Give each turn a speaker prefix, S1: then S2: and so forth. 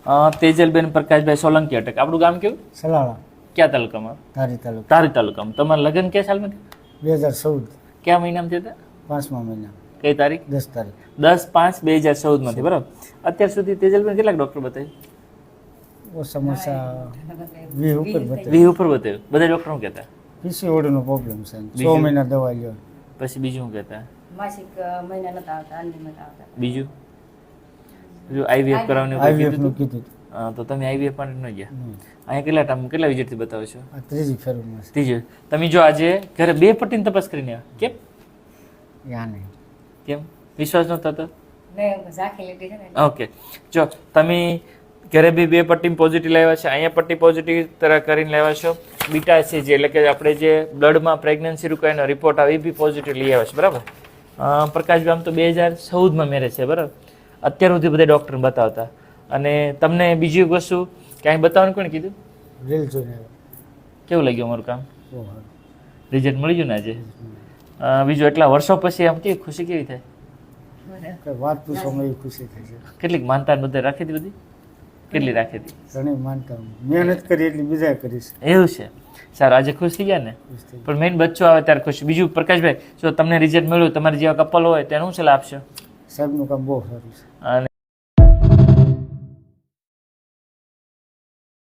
S1: તેજલબેન પ્રકાશભાઈ સોલંકી અટક. આપણું ગામ કેવું?
S2: સલાળા,
S1: ક્યાં તાલુકામાં?
S2: ધારી તાલુકા,
S1: ધારી તાલુકામાં. તમારા લગ્ન કયા સાલમાં થયા?
S2: 2014,
S1: કયા મહિનામાં થયા હતા?
S2: 5મા મહિના,
S1: કઈ તારીખ?
S2: 10 તારીખ.
S1: 10/5/2014 માંથી. બરાબર. અત્યાર સુધી તેજલબેન કેટલાક ડોક્ટર બતાવ્યું?
S2: સમસ્યા 20 ઉપર બતાવે.
S1: 20 ઉપર બતાવ્યું. બધા ડોક્ટર શું કહેતા?
S2: PCOD નો પ્રોબ્લેમ છે, 6
S1: બીજું?
S2: મહિના દવા લ્યો.
S1: પછી બીજું શું કહેતા?
S3: માસિક મહિના નતા આવતા, અન્ય નતા આવતા.
S1: બીજું IVF કરાવવાનું એવું
S2: IVF
S1: કીધું
S2: નું
S1: હતું?
S2: કીધું.
S1: હા, તો તમે IVF માટે ન ગયા.
S2: હમ.
S1: અહીંયા કેટલા વિઝિટથી બતાવો છો?
S2: આ ત્રીજી ફેરમાં છે.
S1: ત્રીજું. તમે જો આજે ઘરે 2 પટ્ટીની તપાસ કરીને આવ્યા. કેમ?
S2: યા નહીં.
S1: કેમ વિશ્વાસ નહોતો થતો?
S3: મેં ઝાંખી લીધી છે ને.
S1: ઓકે, જો તમે ઘરે બી 2 પટ્ટી પોઝિટિવ લાવ્યા છે, અહીંયા પટ્ટી પોઝિટિવ તરહ કરીને લાવ્યા છો. બીટા છે જે એટલે કે આપણે જે બ્લડમાં પ્રેગ્નન્સી રૂકાયનો રિપોર્ટ આવે એ બી પોઝિટિવ લઈ આવ્યા છે. બરાબર. પ્રકાશભાઈ આમ તો 2014માં મેરેજ છે. બરાબર. અત્યાર સુધી બધા ડૉક્ટર બતાવતા. અને તમને બીજી એક વસ્તુ ક્યાંય બતાવવાનું કોણે કીધું?
S2: રીલ જોઈને આવ્યો.
S1: કેવું લાગ્યું અમારું કામ?
S2: બહુ સારું.
S1: રિઝલ્ટ મળી ગયું ને આજે? બીજું એટલા વર્ષો પછી આમ કેવી ખુશી કેવી થાય?
S2: કઈ વાત પૂછવામાં એવી ખુશી થાય છે.
S1: કેટલીક માનતા બધે રાખી હતી? બધી કેટલી રાખી હતી?
S2: ઘણી માનતા હું. મહેનત કરી એટલી બીજા કરીશ.
S1: એવું છે. સારું, આજે ખુશ થઈ ગયા ને?
S2: ખુશ થઈ
S1: પણ મેઇન બચ્ચો આવે ત્યારે ખુશ. બીજું પ્રકાશભાઈ, જો તમને રિઝલ્ટ મળ્યું, તમારી જેવા કપલ હોય તેનું શું સલાહ આપશો?
S2: સાહેબનું કામ બહુ સારું છે.
S1: અને